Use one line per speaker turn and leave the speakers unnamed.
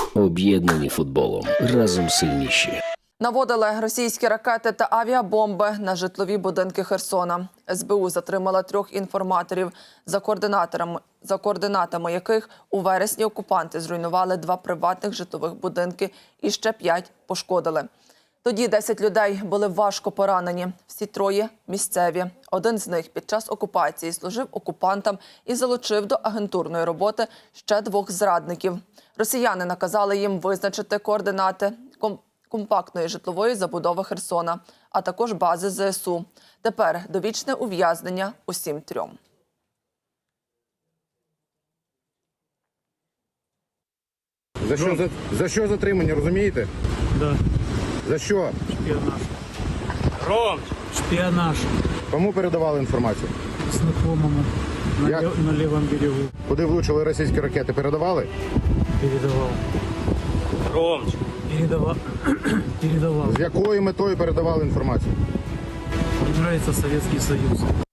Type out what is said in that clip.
Об'єднані футболом. Разом сильніші.
Наводили російські ракети та авіабомби на житлові будинки Херсона. СБУ затримала 3 інформаторів, за координатами яких у вересні окупанти зруйнували 2 приватних житлових будинки і ще 5 пошкодили. Тоді 10 людей були важко поранені. Всі 3 місцеві. Один з них під час окупації служив окупантам і залучив до агентурної роботи ще 2 зрадників. Росіяни наказали їм визначити координати компактної житлової забудови Херсона, а також бази ЗСУ. Тепер довічне ув'язнення усім 3.
За що затримання, розумієте?
Да,
За що?
шпіонаж. Ром! Шпіонаж.
Кому передавали інформацію?
Знакомому.
Як?
На лівому берегу
Куди влучили російські ракети, передавали?
передавав.
Ром,
Передавав.
З якою метою передавали інформацію?
Мені подобається Совєтський Союз.